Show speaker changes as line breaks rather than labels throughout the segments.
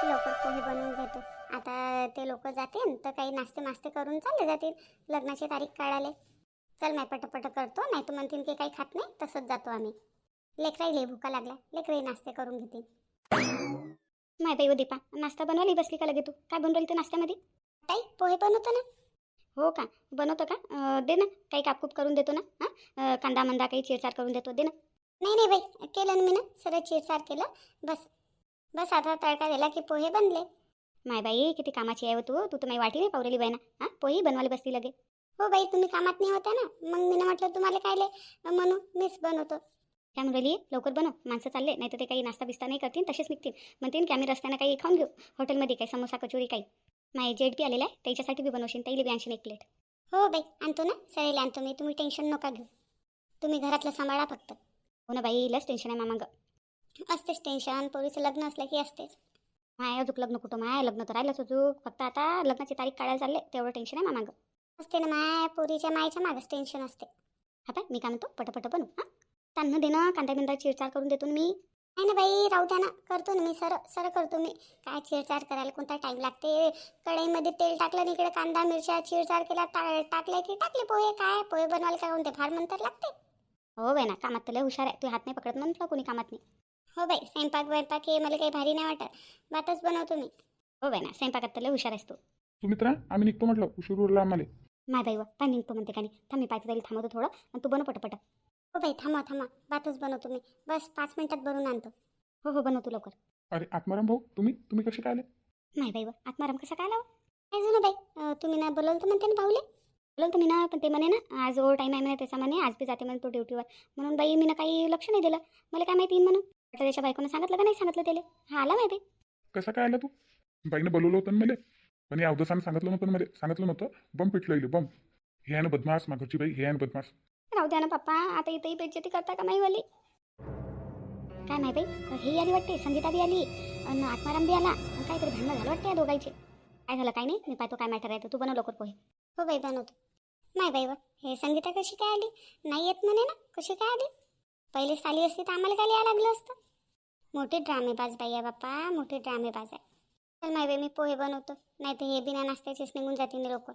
लवकर पोहे बनवून घेतो. आता ते लोक जातील तर काही नाश्ते मास्ते करून चालले जातील लग्नाची तारीख काढायला. चल मी पटापट करतो, नाही तर म्हणतील की काही खात नाही, तसंच जातो आम्ही. लेकराई भूका लागला, लेकराई नाश्ते करून घेतील. माय बाई दीपा, नाश्ता बनवायला बसली का लगे तू? काय बनवली तू नाश्त्यामध्ये? ताई पोहे बनवतो ना. हो का, बनवतो का? दे ना, काही कापकूप करून देतो ना. हां, कांदा मंदा काही चिरचार करून देतो, दे ना. नाही नाही बाई, केलं ना मी ना, सरळ चिरचार केलं. बस बस आता तडका दिला की पोहे बनले. माय बाई किती कामाची आहे हो तू. तू तर माझी वाटी नाही पावलेली बाई ना. हां, पोहे बनवायला बसली लगे. हो बाई, तुम्ही कामात नाही होत्या ना, मग मी म्हटलं तुम्हाला काय म्हणून मीच बनवतो. काय म्हणली, लवकर बनव, माणसं चालले, नाही तर ते काही नाश्ता बिस्ता नाही करतील, तसेच निघतील. म्हणतील की आम्ही रस्त्यानं काही खाऊन घेऊ हॉटेलमध्ये, काही समोसा कचोरी काही. माझे जेट बी आलेला आहे, त्याच्यासाठी बी बनवशील, त्याला बी आणशील एक प्लेट. हो बाई, आणतो ना, सरेल आणतो मी, तुम्ही टेन्शन नका घेऊ. तुम्ही घरातलं सांभाळा फक्त. हो ना बाई, लस टेन्शन आहे मामांग. असतेच टेन्शन, पोरीचं लग्न असलं की असतेच. माय अजूक लग्न कुठं, माय लग्न तर राहिलंच अजूक, फक्त आता लग्नाची तारीख काढायला चालले, तेवढं टेन्शन आहे मामांग. असते ना माय, पोरीच्या मायच्या मागच टेन्शन असते. हा पाय, मी काय म्हणतो, पटपट बनू. हां, त्यांना दे ना, कांदा बिंदा चिरचार करून देतो ना मी. नाही ना बाई, राहू द्या ना, करतो ना मी, सरळ करतो मी. काय चिरचार करायला कोणता टाईम लागते? कढईमध्ये तेल टाकलं आणि इकडे कांदा मिरच्या चिरचार केला, टाकले की टाकले पोहे. काय पोहे बनवायला काय कोणते फार म्हणतात लागते? हो बाई ना, कामात तर लय हुशार आहे, तू हात नाही पकडत म्हटलं कोणी कामात नाही. हो बाई, स्वयंपाक वैपाक हे मला काही भारी नाही वाटत, भातच बनवतो मी. हो बाई ना, स्वयंपाकात तर लय हुशार आहेस तू.
सुमित्रा, आम्ही निघतो म्हटलं, उशीर उरला आम्हाला.
माय बाई व, काय निघतो म्हणते का नाही, थांब मी पाहिजे तरी थांबवतो थोडं, आणि तू बनव पटपट. हो बाई, थांबा, भातच बनवतो मी, बस 5 मिनिटात बनवून आणतो. हो हो, बनवतो लवकर.
अरे आत्माराम भाऊ, तुम्ही कसे काय आले?
नाही बाई व, आत्माराम कसा काय लावा? काय जुनं बाई, तुम्ही ना बोलवलं तर म्हणते ना भाऊले. बोलवलं तर मी ना, पण ते म्हणे ना आज ओव्हर टाईम आहे म्हणे, त्याचा म्हणे आज बी जाते म्हणे तो ड्युटीवर. म्हणून बाई मी ना काही लक्ष नाही दिलं, मला काय माहिती म्हणून. आता त्याच्या बायकोनं सांगितलं का नाही सांगितलं त्याला? हा आला माहिती.
कसा काय आला तू? बाईनं बोलवलं होतं ना मला, पण या अवधसानं सांगितलं नव्हतं मला, सांगितलं नव्हतं. बम पिटलं बम. हे आहे ना बदमाश, घरची बाई, हे आहे ना बदमाश.
राहू द्या ना पप्पा, आता इथेही बेइज्जती करता का नाही वाली? काय नाही बाई, हे आली वाटते, संगीता बी आली आणि आत्माराम बी आला, आणि काहीतरी भांडणं झालं वाटते या दोघांचे. काय झालं काय नाही, मी पाहतो काय मॅटर आहे तर, तू बनव लवकर पोहे. हो बाई बनवतो. नाही बाई व, हे संगीता कशी काय आली? नाही येत म्हणे ना, कशी काय आली? पहिलेच आली असती तर आम्हाला काय यायला लागलं असतं. मोठे ड्रामेबाज बाई आहे बाप्पा, मोठे ड्रामेबाज आहे. चल नाही बाई, मी पोहे बनवतो, नाही तर हे बिना नाश्त्याचेच निघून जातील लोक.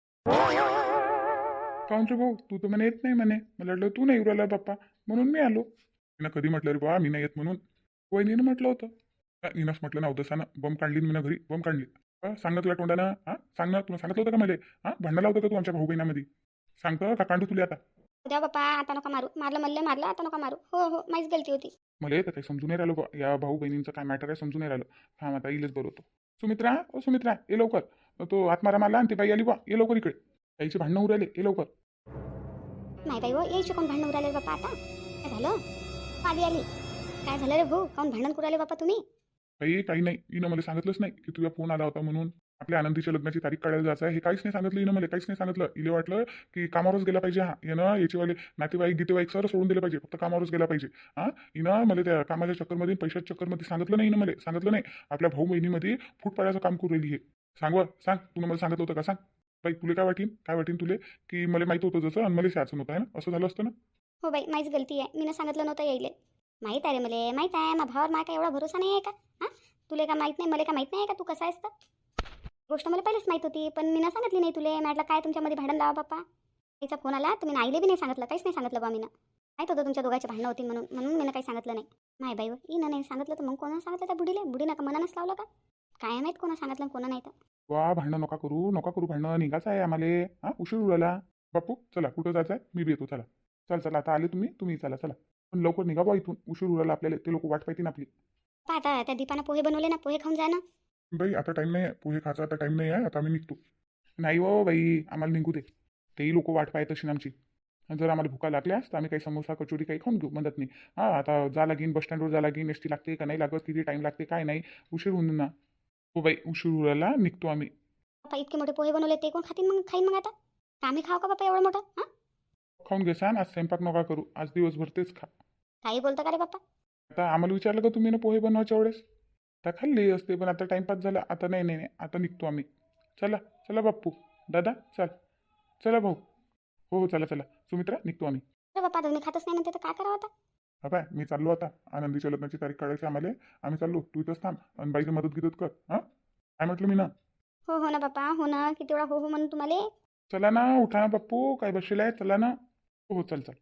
काऊन रे भाऊ, तू तर म्हणे येत नाही म्हणे, मला वाटलं तू नाही उराला बाप्पा, म्हणून मी आलो. मी कधी म्हटलं रे बा मी नाही येत म्हणून? वहिनीनं म्हटलं होतं. निनास म्हटलं ना अवधसानं, बम काढली मी ना घरी, बम काढली. सांग ना तुला तोंडानं, हां सांग ना, तुला सांगितलं होतं का मला? हां, भांडणं लावतं का तू आमच्या भाऊ बहिणामध्ये? सांगतं का कांडू तुला आता?
उद्या बाप्पा, आता नका मारू, मारलं आता नका मारू. हो हो, माझीच गलती होती.
मला येतं काही समजून नाही राहिलं बा, या भाऊ बहिणींचं काय मॅटर आहे समजून नाही राहिलं. हां आता येईलच बरं होतं. सुमित्रा, ओ सुमित्रा, ये लवकर. तो आत्माराम आला आणि ती बाई आली बा, ये लवकर इकडे. ताईचे भांडणं उराले, ये लवकर.
नाही बाई हो, यायचे कोण भांडण उराले बाप्पा आता? काय झालं? आधी आली. काय झालं रे भाऊ, कोण भांडण कुराले बाप्पा तुम्ही?
काही नाही, हिनं मला सांगितलंच नाही की तुझा फोन आला होता म्हणून. आपल्या आनंदीच्या लग्नाची तारीख काढायला जायचं आहे, हे काहीच नाही सांगितलं हिनं मला, काहीच नाही सांगितलं. हिला वाटलं की कामावरच गेला पाहिजे. हा यानं याचेवाले नातेवाईक गीतेवाईक सर सोडून दिले पाहिजे, फक्त कामावरच गेला पाहिजे. हां, हिनं मला त्या कामाच्या चक्करमध्ये, पैशाच्या चक्करमध्ये सांगितलं नाही, हिनं मला सांगितलं नाही. आपल्या भाऊ बहिणीमध्ये फूट पाडायचं काम करू राहिली हे. सांग, तुला मला सांगितलं होतं का? सांग बाई, तुला काय वाटीन तुले की मला माहिती होतं जसं, आणि मला शाचं नव्हतं आहे ना, असं झालं असतं ना.
हो बाई, माझीच गलती आहे, मी सांगितलं नव्हतं यायले. माहीत आहे रे मला, माहीत आहे, माझ्या भावावर काय एवढा भरोसा नाही आहे का? हां, तुला का माहीत नाही, मला का माहीत नाही आहे का तू कसा आहेस तर? गोष्ट मला पहिलेच माहीत होती, पण मी सांगितली नाही तुले. म्हटलं काय तुमच्यामध्ये भांडण लावा बाप्पा. तिचा फोन आला तर मी आईले बी नाही सांगितलं, काहीच नाही सांगितलं बा. मी माहीत होतं तुमच्या दोघांची भांडणं होती म्हणून मी काही सांगितलं नाही. माय बाई हिनं नाही सांगितलं तर मग कोणा सांगितलं त्या बुडीनं का मनानच लावलं का? काय माहीत कोणा सांगितलं कोणा नाही तर.
वा, भांडणं नका करू, भांडणं निघायचं आहे आम्हाला. हां, उशीर उराला. बापू चला, कुठं जायचं आहे? मी बी येतो, चला. चला आता आले तुम्ही चला. पण लवकर निघा बा इथून, उशीर उराला आपल्याला, ते लोक वाट पाहतील आपली.
पहा आता त्या दीपानं पोहे बनवले ना, पोहे खाऊन जा ना.
बाई आता टाईम नाही आहे, पोहे खायचा आता टाईम नाही आहे, आता आम्ही निघतो. नाही हो बाई, आम्हाला निघू दे. तेही लोक वाट पाहत असेल आमची. जर आम्हाला भुका लागल्यास तर आम्ही काही समोसा कचोरी काही खाऊन घेऊ, म्हणत नाही. हां, आता जा लागीन, बस स्टँडवर जा लागीन, एस टी लागते का नाही लागत, किती टाईम लागते काय नाही, उशीर होऊन ना. हो बाई, उशीर उराला निघतो आम्ही.
बाप्पा इतके मोठे पोहे बनवले, ते कोण खातील मग? खाईन मग आता का आम्ही खाऊ का बाप्पा एवढं मोठं? हां,
खाऊन घेसान, आज स्वयंपाक नका करू, आज दिवसभर तेच खा.
काही बोलता का रे बाप्पा?
आता आम्हाला विचारलं का तुम्ही ना पोहे बनवायच्या वेळेस? आता खाल्ली असते, पण आता टाइमपास झाला. आता नाही, आता निघतो आम्ही. चला बाप्पू, दादा चला भाऊ. हो चला, सुमित्रा निघतो आम्ही.
अरे बाप्पा, तुम्ही खातच नाही म्हणते तर काय करावं आता?
हा पाय मी चाललो आता आनंदीच्या लग्नाची तारीख काढायची आम्हाला. आम्ही चाललो, तू इथंच थांब आणि बाईला मदत गिदत कर. हा काय म्हटलं मी ना?
हो हो ना बाप्पा, हो ना. किती वेळा हो हो म्हणून तुम्हाला.
चला ना, उठा ना बाप्पू, काय बसलेला आहे, चला ना. हो चल चल.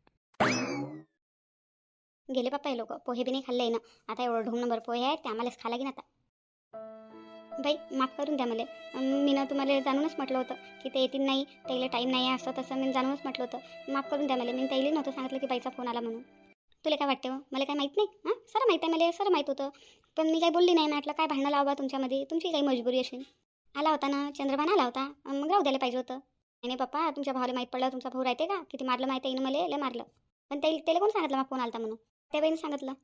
गेले बाप्पा हे लोक. पोहे बी नाही खाल्ले ना. आता एवढं ढोंग नंबर पोहे आहेत ते आम्हालाच खा लागेन आता. बाई माफ करून द्या मला. मी ना तुम्हाला जाणूनच म्हटलं होतं की ते येतील नाही, त्याला टाईम नाही आहे, असं तसं मी जाणूनच म्हटलं होतं. माफ करून द्या मला. मी त्याला नव्हतं सांगितलं की बाईचा फोन आला म्हणून. तुला काय वाटते हो? मला काय माहीत नाही? हां, सर माहीत आहे मला, सर माहीत होतं. पण मी काही बोलली नाही. म्हटलं काय भांडणं लावा तुमच्यामध्ये, तुमची काही मजबुरी असेल. आला होता ना चंद्रभान, आला होता, मग राहू द्यायला पाहिजे होतं. नाही पप्पा, तुमच्या भावाला माहीत पडलं, तुमचा भाऊ राहते का किती मारलं माहिती आहे ना मला, लय मारलं. पण त्याला कोण सांगितलं मग फोन आलता म्हणून? त्या बाईने सांगितलं.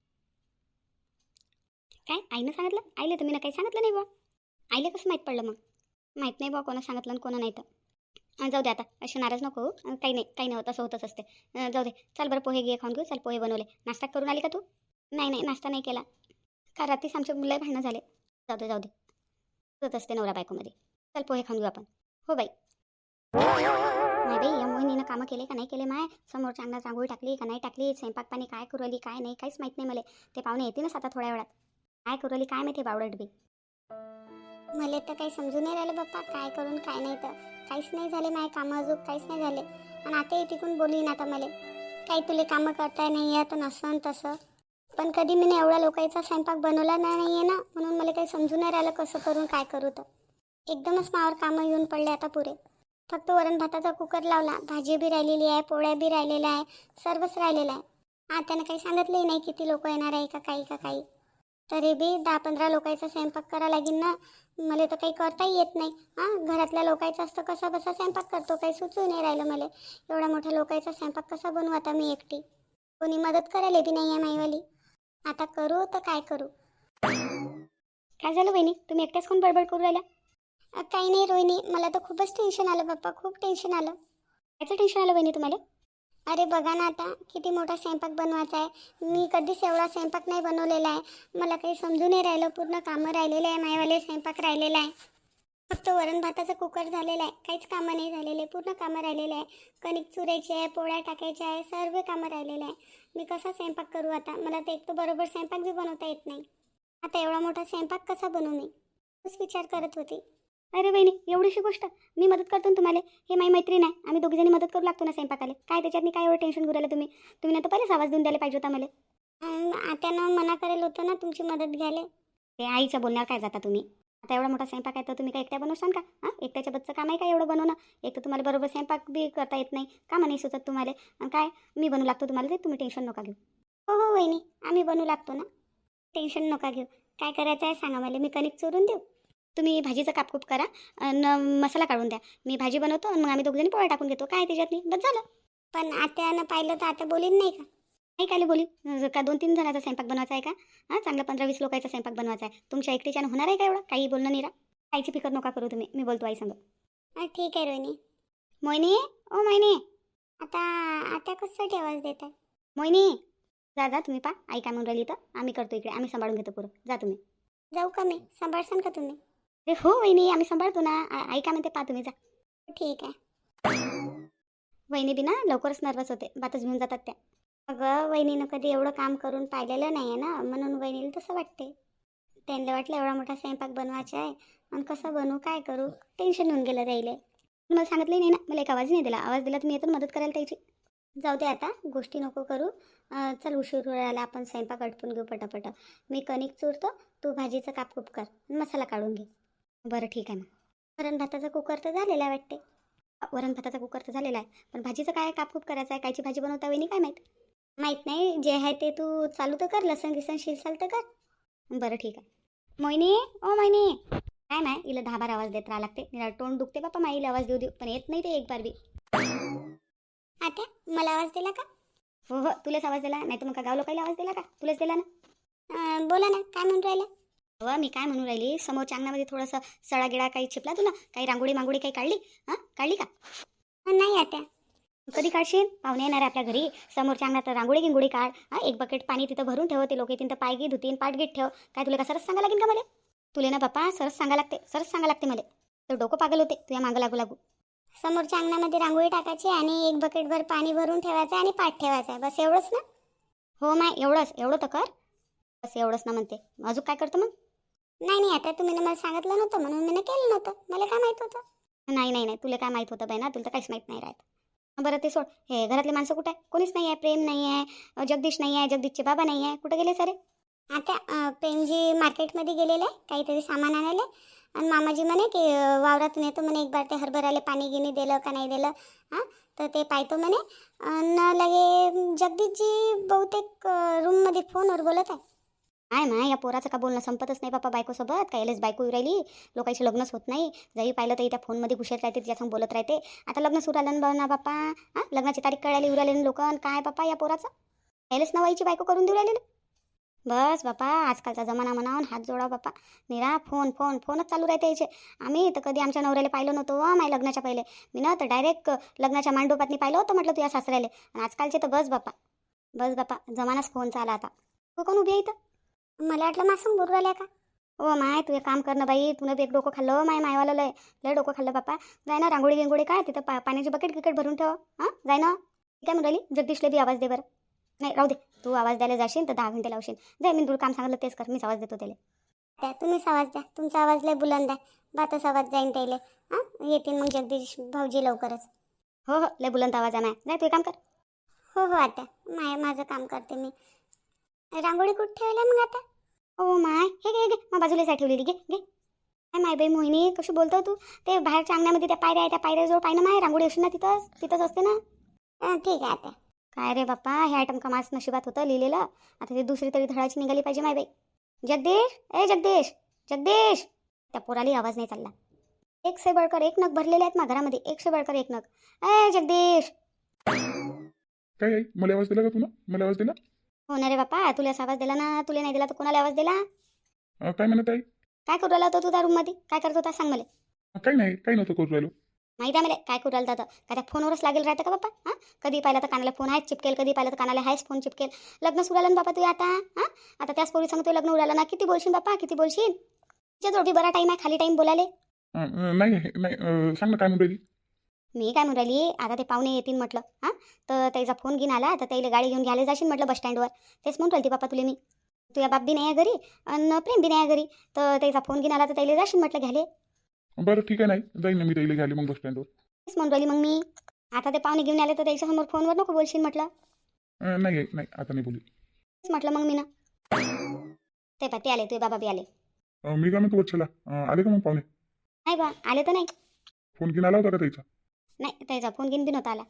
काय आईनं सांगितलं? आईला तुम्ही ना काही सांगितलं नाही बा. आईला कसं माहीत पडलं मग? माहीत नाही बा कोणा सांगितलं आणि कोणा नाही तर. जाऊ दे आता, असे नाराज नको होऊ. काही नाही काही नाही होत, असं होतच असते. जाऊ दे. चल बरं पोहे घे खाऊन घेऊ. चल पोहे बनवले. नाश्ता करून आली का तू? नाही नाही, नाश्ता नाही केला. का रात्रीच आमच्या मुलं भांडणं झाले. जाऊ दे जाऊ दे, होत असते नवरा बायकोमध्ये. चल पोहे खाऊन घेऊ आपण. हो बाई. नाही बाई, या मोहिनीनं कामं केले का नाही केले माय? समोरच्या अंगणात रांगोळी टाकली का नाही टाकली? स्वयंपाक पाणी काय करू राहिली काय नाही काहीच माहीत नाही मला. ते पाहुणे येतीलच आता थोड्या वेळात. काय करू राहिली काय माहिती बावडट बी. मला तर काही समजून नाही राहिलं बाप्पा, काय करून काय नाही. तर काहीच नाही झाले माझे कामं, अजून काहीच नाही झाले. आणि आता तिकून बोलीन आता मला काही तुले कामं करताय नाही आहे तर नसन तसं. पण कधी मी एवढ्या लोकांचा स्वयंपाक बनवला नाही आहे ना, म्हणून मला काही समजून नाही राहिलं कसं करून काय करू. तर एकदमच मावर कामं येऊन पडले आता पुरे. फक्त वरण भाताचा कुकर लावला, भाजी बी राहिलेली आहे, पोळ्या बी राहिलेल्या आहे, सर्वच राहिलेलं आहे. त्यानं काही सांगितलंही नाही किती लोक येणार आहे का काही. तरी बी 10-15 लोकांचा स्वयंपाक करा लागेल ना. मला तर काही करताही येत नाही. घरातल्या लोकांचा असतं कसा बसा स्वयंपाक करतो, काही सुचू नाही राहिलं मला. एवढ्या मोठ्या लोकांचा स्वयंपाक कसा बनवू आता मी एकटी? कोणी मदत करायला बी नाही आहे माईवाली. आता करू तर काय करू? काय झालं वहिनी, तुम्ही एकट्याच कोण बडबड करू राहिला? काही नाही रोहिणी, मला तर खूपच टेन्शन आलं बाप्पा, खूप टेन्शन आलं. याचं टेन्शन आलं वहिनी तुम्हाला? अरे बघा ना आता किती मोठा स्वयंपाक बनवायचा आहे. मी कधीच एवढा स्वयंपाक नाही बनवलेला आहे. मला काही समजून नाही राहिलं. पूर्ण कामं राहिलेले आहे मायवाले, स्वयंपाक राहिलेला आहे. फक्त वरण भाताचा कुकर झालेला आहे, काहीच कामं नाही झालेले. पूर्ण कामं राहिलेले आहे. कणिक चुरायची आहे, पोळ्या टाकायच्या आहे, सर्व कामं राहिलेले आहे. मी कसा स्वयंपाक करू आता? मला तर एक तर बरोबर स्वयंपाक बी बनवता येत नाही. आता एवढा मोठा स्वयंपाक कसा बनवू मी? तोच विचार करत होती. अरे बहिणी, एवढीशी गोष्ट मी मदत करतो ना तुम्हाला. हे माझी मैत्रीण आहे, आम्ही दोघीजणी मदत करू लागतो ना स्वयंपाकाला. काय त्याच्यात काय एवढं टेन्शन घेऊ राहिलं तुम्ही? तुम्ही ना तर पहिलेच आवाज देऊन द्यायला पाहिजे होता मला. आत्यानं मना करेल होतं ना तुमची मदत घ्यायला. ते आईच्या बोलण्यावर काय जाता तुम्ही? आता एवढा मोठा स्वयंपाक आहे तर तुम्ही काय एकट्या बनवशाल का? एकट्याच्या बच्चं काम आहे का एवढं बनवणं? एक तर तुम्हाला बरोबर स्वयंपाक बी करता येत नाही, कामं नाही सुचत तुम्हाला. आणि काय मी बनवू लागतो तुम्हाला, ते तुम्ही टेन्शन नका घेऊ. हो हो वहिनी, आम्ही बनवू लागतो ना, टेन्शन नका घेऊ. काय करायचं आहे सांगा मला, मी कणिक चुरून देऊ? तुम्ही भाजीचं कापकूप करा आणि मसाला काढून द्या. मी भाजी बनवतो आणि मग आम्ही दोघजणी पोळ्या टाकून घेतो. काय त्याच्यातनी बस झालं. पण आत्यानं पाहिलं तर आता बोलीन नाही का? नाही काय बोली का? 2-3 जणांचा स्वयंपाक बनवायचा आहे का? चांगला 15-20 लोकांचा स्वयंपाक बनवायचा आहे. तुमच्या एकटीच्यानं होणार आहे का एवढं? काही बोलणं नाही रा. काहीची फिकर नका करू तुम्ही, मी बोलतो आई संग. ठीक आहे रोहिणी. मोहिनी, ओ मोहिनी. आता आता कसं आवाज देत आहे? मोहिनी, जा तुम्ही पा, आई काय म्हणून राहिली तर आम्ही करतो इकडे, आम्ही सांभाळून घेतो पुरं. जा तुम्ही. जाऊ का मी? सांभाळसान का तुम्ही? अरे हो वहिनी, आम्ही सांभाळतो ना. आई काय म्हणते पा, तुम्ही जा. ठीक आहे. वहिनी बी ना लवकरच नर्वस होते, बातच घेऊन जातात त्या. अगं वहिनीनं कधी एवढं काम करून पाहिलेलं नाही आहे ना, म्हणून वहिनीला तसं वाटते. त्यांना वाटलं एवढा मोठा स्वयंपाक बनवायचा आहे आणि कसं बनवू काय करू, टेन्शन येऊन गेलं राहिले. मला सांगितलं नाही ना, मला एक आवाज नाही दिला. आवाज दिला तर मी येतो मदत करायला त्याची. जाऊ दे आता, गोष्टी नको करू. चल उशीर राहिला, आपण स्वयंपाक आटपून घेऊ पटापट. मी कणिक चुरतो, तू भाजीचं कापकूप कर, मसाला काढून घे. बरं ठीक आहे ना. वरण भाताचा कुकर तर झालेला आहे वाटते. वरण भाताचा कुकर तर झालेला आहे, पण भाजीचं काय कापकूप करायचं आहे? कायची भाजी बनवता वहिनी काय माहीत नाही. जे आहे ते तू चालू तर कर, लसण गिसण शिरसाल तर कर. बरं ठीक आहे. मोहिनी, ओ मोहिनी. काय नाही, हिला 10-12 आवाज देत राहा लागते. निरा तोंड दुखते बापा माईला आवाज देऊ पण येत नाही ते एक बार बी. आता मला आवाज दिला का? हो हो, तुलाच आवाज दिला, नाही तर मग का गाव लोकांना आवाज दिला का? तुलाच दिला ना. बोला ना, काय म्हणून राहिला? हो मी काय म्हणून राहिली, समोरच्या अंगणामध्ये थोडंसं सडागिडा काही चिपला तुला? काही रांगोळी मांगोळी काही काढली? काढली का? नाही आता. कधी काढशील? पाहुणे येणार आपल्या घरी, समोरच्या अंगणात रांगोळी गिंगोळी काढ. एक बकेट पाणी तिथं भरून ठेव, ते लोक येतील तर पाय गी धुतीन, पाठ गीत ठेव. काय तुला का सरस सांगा लागेल का मला? तुला ना बाप्पा सरस सांगा लागते मला. तर डोकं पागल होते तुझ्या मागं लागू. समोरच्या अंगणामध्ये रांगोळी टाकायची आणि एक बकेटभर पाणी भरून ठेवायचं आणि पाठ ठेवायचा, बस एवढंच ना. हो माय, एवढं तर कर. बस एवढंच ना म्हणते. अजून काय करतो मग? नाही आता तुम्ही मला सांगितलं नव्हतं म्हणून मी केलं नव्हतं. मला काय माहित होतं? नाही तुला काय माहित होतं बाई ना, तुला तर काहीच माहित नाही राहत. बरं ते सोड. हे घरातले माणसं कुठे आहे? कोणीच नाही आहे. प्रेम नाही आहे, जगदीश नाही आहे, जगदीशचे बाबा नाही आहे. कुठे गेले सारे? आता प्रेमजी मार्केटमध्ये गेलेले आहे काहीतरी सामान आणायला. आणि मामाजी म्हणे की वावरातून येतो म्हणे, एक बार ते हरभऱ्याला पाणी गिनी दिलं का नाही दिलं. हां, तर ते पाहतो म्हणे. आणि लगे जगदीशजी बहुतेक रूममध्ये फोनवर बोलत आहे. काय ना या पोराचं का बोलणं संपतच नाही बापा बायकोसोबत. कायलेच बायको येऊ राहिली, लोकांशी लग्नच होत नाही. जरी पाहिलं तरी त्या फोनमध्ये घुसत राहते, तिच्यासंग बोलत राहते. आता लग्न सुरू आलं ना बापा. हां, लग्नाची तारीख कळायला येऊ राहिले लोक. काय बापा या पोराचं कायलेच नवाईची बायको करून देऊ राहिलेलं. बस बापा आजकालचा जमाना म्हणावून हात जोडा बापा. निरा फोनच चालू राहते याचे. आम्ही तर कधी आमच्या नवऱ्याला पाहिलं नव्हतं माझ्या लग्नाच्या पहिले. मी ना तर डायरेक्ट लग्नाच्या मांडोपातनी पाहिलं होतं म्हटलं तुझ्या सासऱ्याला. आणि आजकालचे तर बस बापा जमानाच फोनचा आला आता. तू कोण उभी आहे इथं? मला वाटलं मासून बोलू राहिल्या का? ओ माय, तू एक काम कर ना बाई. तुनं बी एक डोकं खाल्लं मायवालं. लय लय डोकं खाल्लं बापा. जाय ना रांगोळी गिंगोळी काय तिथं पाण्याची बकेट क्रिकेट भरून ठेव. हां, जाय ना. काय म्हणून राहिली? जगदीशला बी आवाज दे बरं. नाही राहू दे. तू आवाज द्यायला जाशील तर 10 घंटे लावशील. जाय, मी तुला काम सांगितलं तेच कर. मीच आवाज देतो त्याला. त्या तुम्हीच आवाज द्या. तुमचा आवाज लय बुलंद आहे. बातच आवाज जाईन त्याला. हां, येतील मग जगदीश भाऊजी लवकरच. हो लय बुलंद आवाज आहे माय. जाय तू काम कर. हो आता माझं काम करते मी. रांगोळी कुठे ठेवल्या मग आता? ओ माय, हे घे मग बाजूला साय ठेवलेली. घे काय माय बाई मोहिनी कशी बोलतो तू? ते बाहेरच्या अंगणामध्ये त्या पायऱ्या आहे, त्या पायऱ्याजवळ पाय ना माय रांगोळी असेल ना तिथंच असते ना. ठीक आहे आता. काय रे बाप्पा, हे आयटम का माझ नशिबात होतं लिहिलेलं. आता ते दुसरी तरी धडाची निघाली पाहिजे माय बाई. जगदीश. त्या पोराली आवाज नाही चालला. एक से बळकर एक नग भरलेले आहेत मा घरामध्ये. एक से बळकर एक नग. जगदीश.
काय आई, मला आवाज दिला का तुला? मला आवाज दिला?
हो ना रे बाप्पा, तुला आवाज दिला ना. तुला नाही दिला तर कोणाला आवाज दिला?
काय म्हणत आई?
काय करू राहिला होता तू त्या रूममध्ये? काय करत होता सांग मला.
काही नाही, काही नव्हतं करू राहिलो.
माहिती आहे मला काय करू राहिला होता. का त्या फोनवरच लागेल राहतं का बाप्पा? हां, कधी पाहिलं तर कानाला फोन आहेच चिपकेल, कधी पाहिलं तर कानाला आहेच फोन चिपकेल. लग्न सुरू आलं ना बापा तू आता. हां, आता त्याच पोरी सांगतो लग्न उरालं ना. किती बोलशील बाप्पा, किती बोलशील? तुझ्या जोडी बरा टाईम आहे, खाली टाईम बोलाले.
नाही सांग ना काय म्हणून राहिली.
मी काय म्हणून राहिली, आता ते पाहुणे येतील म्हटलं. हां, तर त्याचा फोन घेऊन आला तर त्याला गाडी घेऊन घ्यायला जाशील म्हटलं बस स्टँडवर. तेच म्हणून राहिली बाप्पा तुला मी. तुझ्या बाप बी नाही आहे घरी आणि प्रेम बी नाही आहे घरी. तर त्याचा फोन घेऊन आला तर त्याला जाशील म्हटलं घ्याले.
बरं ठीक आहे, नाही जाईन ना मी त्याला घ्यायला मग बस स्टँडवर.
तेच म्हणून राहिली मग मी. आता ते पाहुणे घेऊन आले तर त्याच्यासमोर फोनवर नको बोलशील म्हटलं.
नाही नाही आता नाही बोलू.
तेच म्हटलं मग मी ना. ते ते आले, तुझे बाबा बी आले.
मी काय म्हणतो वच्छला, आले का मग पाहुणे?
नाही बा आले तर नाही.
फोन घेऊन आला होता का त्याचा?
नाही त्याचा फोन घेऊन बी नव्हता आला.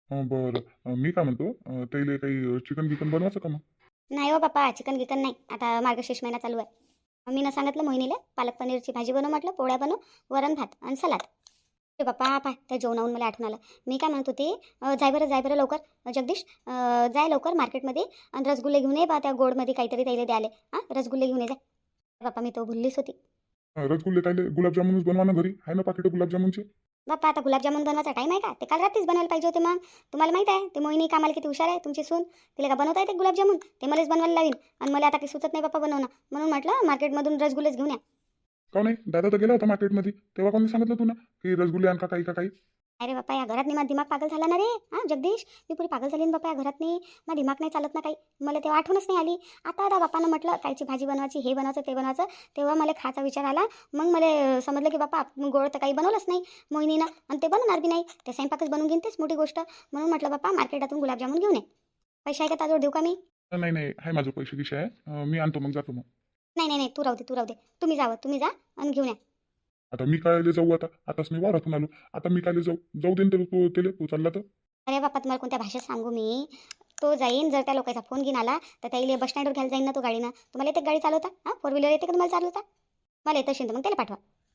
बरं मी काय म्हणतो, त्याला काही चिकन गिकन बनवायचं का मग?
नाही हो बाप्पा, चिकन गिकन नाही. आता मार्गशीर्ष महिना चालू आहे. मी ना सांगितलं मोहिनीला पालक पनीरची भाजी बनव म्हटलं, पोळ्या बनव, वरण भात आणि सलाद. ते बाप्पा पाय त्या जेवणाहून मला आठवण आलं. मी काय म्हणत होती, जाय बरं लवकर जगदीश. जाय लवकर मार्केटमध्ये आणि रसगुल्ले घेऊन ये बा. त्या गोडमध्ये काहीतरी त्याला द्याले. हां, रसगुल्ले घेऊन ये जाय. बाप्पा मी तो भुललीच होती.
रसगुल्ले काय गुलाबजामुनच बनवा ना घरी, आहे ना पाकिट गुलाबजामुनचे.
बाप्पा आता गुलाबजामुन बनवायचा टाईम आहे का? ते काल रात्रीच बनवायला पाहिजे होते. मग तुम्हाला माहित आहे ते मोहिनी कामाला किती हुशार आहे तुमची सून. तिला का बनवता येते गुलाबजामुन? ते मलाच बनवायला लावीन. आणि मला आता काही सुचत नाही बाप्पा बनवणं. म्हणून म्हटलं मार्केटमधून रसगुल्लेच घेऊन या.
का नाही, दादा तर गेला होता मार्केटमध्ये, तेव्हा कोणी सांगितलं तुला की रसगुल्ले आणका काही का काही?
अरे बाप्पा या घरात माझा दिमाग पागल झाला ना रे. हां जगदीश, मी पुरी पागल झाली ना बाप्पा या घरात. माझा दिमाग नाही चालत ना काही. मला तेव्हा आठवणच नाही आली. आता बाप्पानं म्हटलं कायची भाजी बनवायची, हे बनवायचं ते बनवायचं, तेव्हा मला खायचा विचार आला. मग मला समजलं की बाप्पा गोड तर काही बनवलंच नाही मोहिनीनं आणि ते बनवणार बी नाही. ते स्वयंपाकच बनवून घेईन तेच मोठी गोष्ट. म्हणून म्हटलं बाप्पा मार्केटातून गुलाबजामुन घेऊन ये. पैसे आहे का ताजवळ देऊ का मी?
नाही आहे माझं पैसे गिशे आहे, मी आणतो मग जातो मग.
नाही तू राहू दे. तुम्ही जा आणि घेऊन या.
आता मी काय जाऊ, आताच मी वारातून आलो. आता मी काय जाऊ देईन तू चालला तर.
अरे बाप्पा तुम्हाला कोणत्या भाषेत सांगू मी. तो जाईन जर त्या लोकांचा फोन घेऊन आला तर त्याला बस स्टँडवर घ्यायला जाईन ना तो गाडीनं. तुम्हाला येते गाडी चालवता? हां, 4 व्हीलर येते का तुम्हाला चालवता? मला येतं असेल तर मग त्याला पाठवा.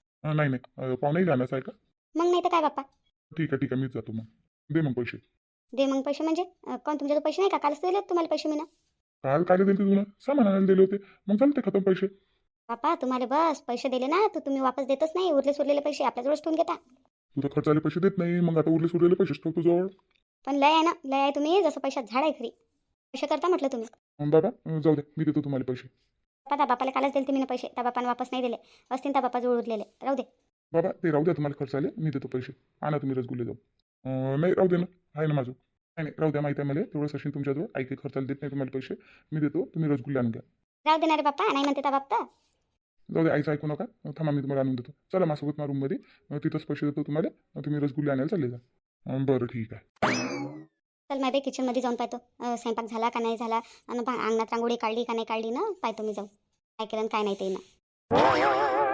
नाही पाहुणेही जाण्याचं आहे का?
मग नाही तर काय बाप्पा.
ठीक आहे मीच जातो मग. दे मग पैसे.
दे मग पैसे म्हणजे कोण तुमच्याकडे पैसे नाही का? कालच दिले तुम्हाला पैसे मी ना.
काल काय दिले तुला? सामान आणायला दिले होते, मग चालते खतम पैसे.
बाप्पा तुम्हाला बस पैसे दिले ना तर तुम्ही वापस देतच नाही. उरलेले पैसे आपल्याजवळच ठेवून घेता.
तू तर खर्चाले पैसे देत नाही, मग आता उरलेले पैसे ठेवतो जवळ.
पण लय आहे ना, लय आहे तुम्ही. जसं पैशात झाड आहे खरी. पैसे करता म्हटलं तुम्ही.
बाबा जाऊ दे, मी देतो तुम्हाला पैसे.
बाप्पा त्या बापाला कालच दिले तुम्ही ना पैसे. त्या बापाने वापस नाही दिले. असतील त्या बापाजवळ उरलेले. राहू दे.
बाबा ते राहू द्या, तुम्हाला खर्च आले मी देतो पैसे. आणा तुम्ही रसगुल्ले जाऊ. नाही राहू दे ना, आहे ना माझं. नाही नाही, राहू द्या, माहिती आहे मला तेवढं सचिन तुमच्याजवळ आई काही खर्चाला देत नाही तुम्हाला पैसे, मी देतो, तुम्ही रसगुल्ले आणून घ्या.
राहू दे ना रे बाप्पा, नाही म्हणते त्या बाप्पा.
जाऊ दे, आईचं ऐकू नका. थांबा, मी तुम्हाला आणून देतो. चला माझ्यासोबत माझ्या रूममध्ये, तिथंच पैसे देतो तुम्हाला. तुम्ही रसगुल्ले आणायला चालले जा. बरं ठीक आहे.
चल माहिती किचनमध्ये जाऊन पाहतो स्वयंपाक झाला का नाही झाला, आणि अंगणात रांगोळी काढली का नाही काढली ना, पाहतो मी जाऊन काय केलं आणि काय नाही ते ना.